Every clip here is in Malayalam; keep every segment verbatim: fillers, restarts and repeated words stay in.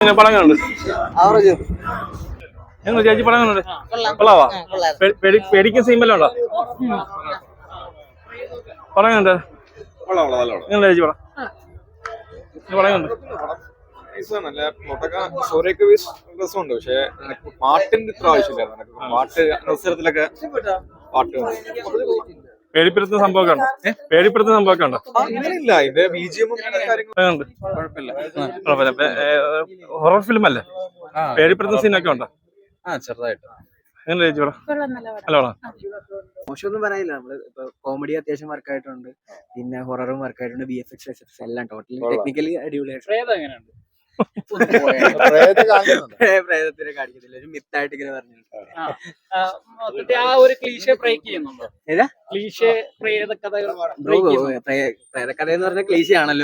പടങ്ങളുണ്ട് എങ്ങനെ ചേച്ചി പടങ്ങളുണ്ട് കൊള്ളാവാ പേടിക്കുന്ന സീമെല്ലാം ഉണ്ടോ പടങ്ങളുണ്ട് എങ്ങനെ ചേച്ചി പടം പടങ്ങളുണ്ട് രസമുണ്ട് പക്ഷെ പാട്ടിന്റെ ഇത്ര ആവശ്യമില്ലായിരുന്നു പാട്ട് അവസരത്തിലൊക്കെ പാട്ട് പേടിപ്പെടുത്തുന്ന സംഭവമൊക്കെ ഉണ്ടോ പേടിപ്പെടുത്തുന്ന സംഭവമൊക്കെ ഉണ്ടോ അങ്ങനെയില്ല ഇതിന്റെ ബിജിഎമ്മും കുഴപ്പമില്ല ഹൊറർ ഫിലിം അല്ലേ പേടിപ്പെടുത്തുന്ന സീനൊക്കെ ഉണ്ടോ ആ ചെറുതായിട്ട് എങ്ങനെ ചേച്ചി പടം നല്ലോണം മോശമൊന്നും പറയാനില്ല നമ്മള് ഇപ്പൊ കോമഡി അത്യാവശ്യം വർക്കായിട്ടുണ്ട് പിന്നെ ഹൊററും വർക്കായിട്ടുണ്ട് ബി എഫ് എക്സ് എല്ലാം ടോട്ടലി ടെക്നിക്കലി അടിപൊളിയായിട്ട് പ്രേതത്തിനെ കാണിക്കുന്നില്ല ഒരു മിത്തായിട്ട് ഇങ്ങനെ പറഞ്ഞു പ്രേതകഥ എന്ന് പറഞ്ഞ ക്ലീശ ആണല്ലോ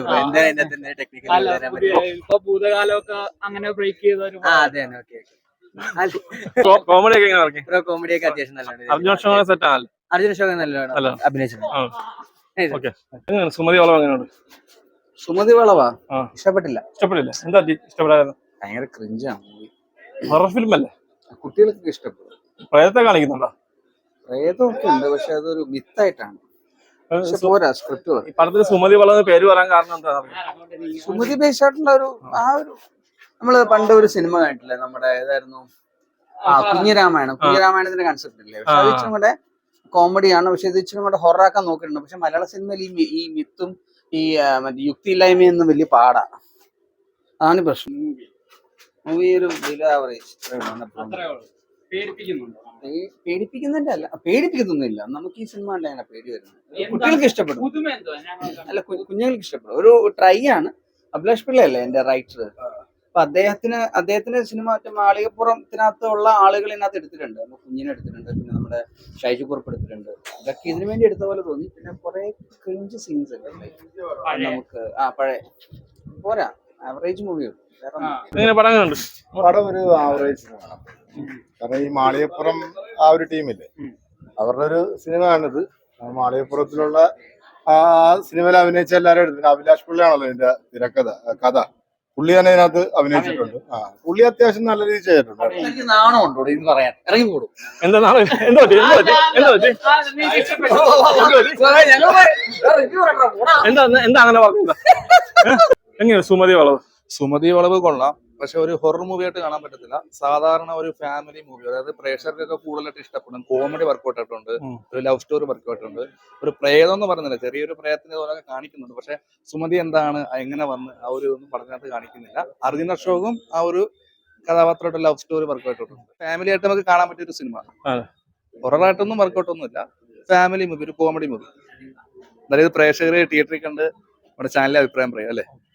ഭൂതകാലമൊക്കെ അങ്ങനെ ബ്രേക്ക് ചെയ്ത അതെ ഓക്കെ കോമഡി ഒക്കെ എങ്ങനെ ഇറക്കി കോമഡി ഒക്കെ അത്യാവശ്യം നല്ലതാണ് അർജുന സെറ്റ് ആണല്ലോ അർജുന അശോകൻ നല്ലതാണ് അഭിനയിച്ചത് സുമതി വളവ് എങ്ങനെയുണ്ട് സുമതി വളവാ ഇഷ്ടപ്പെട്ടില്ല ഇഷ്ടപ്പെട്ടില്ല എന്താ ഇഷ്ടപ്പെടാതെ ഭയങ്കര ക്രിഞ്ചാണ് ഹൊറർ ഫിലിം അല്ലേ കുട്ടികൾക്ക് ഇഷ്ടപ്പെടും പ്രേതത്തെ കാണിക്കുന്നുണ്ടോ പ്രേതമൊക്കെ ഉണ്ട് പക്ഷെ അതൊരു മിത്തായിട്ടാണ് പോരാ സ്ക്രിപ്റ്റ് ഈ പടത്തിന് സുമതി വളവ് പേര് പറയാൻ കാരണം എന്താ സുമതി ബേസ് ആയിട്ടുള്ള ഒരു ആ ഒരു നമ്മള് പണ്ട് ഒരു സിനിമ കണ്ടിട്ടില്ലേ നമ്മുടെ ഏതായിരുന്നു ആ കുഞ്ഞിരാമായണം കുഞ്ഞിരാമായണത്തിന്റെ കൺസെപ്റ്റ് ഇല്ലേ പക്ഷെ അത് ഇച്ചിരി കൂടെ കോമഡിയാണ് പക്ഷെ ഇത് ഇച്ചിരി കൂടെ ഹൊററാക്കാൻ നോക്കിയിട്ടുണ്ട് പക്ഷെ മലയാള സിനിമയിൽ ഈ ഈ മിത്തും ഈ മറ്റേ യുക്തിയില്ലായ്മയൊന്നും വലിയ പാടാ അതാണ് പ്രശ്നം മൂവി ഒരു ബിലോ ആവറേജ് പേടിപ്പിക്കുന്നുണ്ട് അല്ല പേടിപ്പിക്കുന്നൊന്നുമില്ല നമുക്ക് ഈ സിനിമ കണ്ട അങ്ങനെ പേടി വരുന്നത് കുട്ടികൾക്ക് ഇഷ്ടപ്പെടും അല്ല കുഞ്ഞുങ്ങൾക്ക് ഇഷ്ടപ്പെടും ഒരു ട്രൈ ആണ് അഭിലാഷ് പിള്ളയല്ലേ എന്റെ റൈറ്റർ അപ്പൊ അദ്ദേഹത്തിന് അദ്ദേഹത്തിന്റെ സിനിമ മറ്റേ മാളികപ്പുറത്തിനകത്തുള്ള ആളുകൾ ഇതിനകത്ത് എടുത്തിട്ടുണ്ട് നമ്മൾ കുഞ്ഞിനെ എടുത്തിട്ടുണ്ട് പിന്നെ നമ്മുടെ ഷൈജു കുറുപ്പ് എടുത്തിട്ടുണ്ട് ഇതൊക്കെ ഇതിനു വേണ്ടി എടുത്ത പോലെ തോന്നി പിന്നെ കുറെ ക്രിഞ്ച് സീൻസ് ഒക്കെ നമുക്ക് ആ പഴയ പോരാ ആവറേജ് മൂവിയുള്ളൂ പടം ഒരു ആവറേജ് സിനിമയാണ് കാരണം ഈ മാളികപ്പുറം ആ ഒരു ടീമില്ലേ അവരുടെ ഒരു സിനിമയാണിത് മാളികപ്പുറത്തിലുള്ള ആ സിനിമയിൽ അഭിനയിച്ച എല്ലാവരും എടുത്തു പിന്നെ അഭിലാഷ് പിള്ളയാണല്ലോ ഇതിന്റെ തിരക്കഥ കഥ പുള്ളി തന്നെ ഇതിനകത്ത് അഭിനയിച്ചിട്ടുണ്ട് ആ പുള്ളി അത്യാവശ്യം നല്ല രീതിയിൽ ചെയ്തിട്ടുണ്ട് എനിക്ക് നാണം ഉണ്ടോ ഇത് പറയാൻ ഇറങ്ങി കൂടും എന്താ എന്താ എന്താ അങ്ങനെ പറഞ്ഞത് എങ്ങനെയാ സുമതി വളവ് സുമതി വളവ് കൊള്ളാം പക്ഷെ ഒരു ഹൊറർ മൂവി ആയിട്ട് കാണാൻ പറ്റത്തില്ല സാധാരണ ഒരു ഫാമിലി മൂവി അതായത് പ്രേക്ഷകർക്കൊക്കെ കൂടുതലായിട്ട് ഇഷ്ടപ്പെടും കോമഡി വർക്കൗട്ട് ആയിട്ടുണ്ട് ഒരു ലവ് സ്റ്റോറി വർക്കൗട്ട് ഉണ്ട് ഒരു പ്രേതം എന്ന് പറയുന്നില്ല ചെറിയൊരു പ്രേതത്തിന്റെ പോലെ കാണിക്കുന്നുണ്ട് പക്ഷെ സുമതി എന്താണ് എങ്ങനെ വന്ന് ആ ഒരു ഒന്നും പറഞ്ഞതിനകത്ത് കാണിക്കുന്നില്ല അർജുന അശോകും ആ ഒരു കഥാപാത്രമായിട്ട് ലവ് സ്റ്റോറി വർക്കൗട്ട് ഉണ്ട് ഫാമിലി ആയിട്ട് നമുക്ക് കാണാൻ പറ്റിയ ഒരു സിനിമ ഹൊററായിട്ടൊന്നും വർക്കൗട്ട് ഒന്നുമില്ല ഫാമിലി മൂവി ഒരു കോമഡി മൂവി അതായത് പ്രേക്ഷകരെ തിയേറ്ററിൽ കണ്ട് നമ്മുടെ ചാനലിലെ അഭിപ്രായം പറയാം അല്ലേ.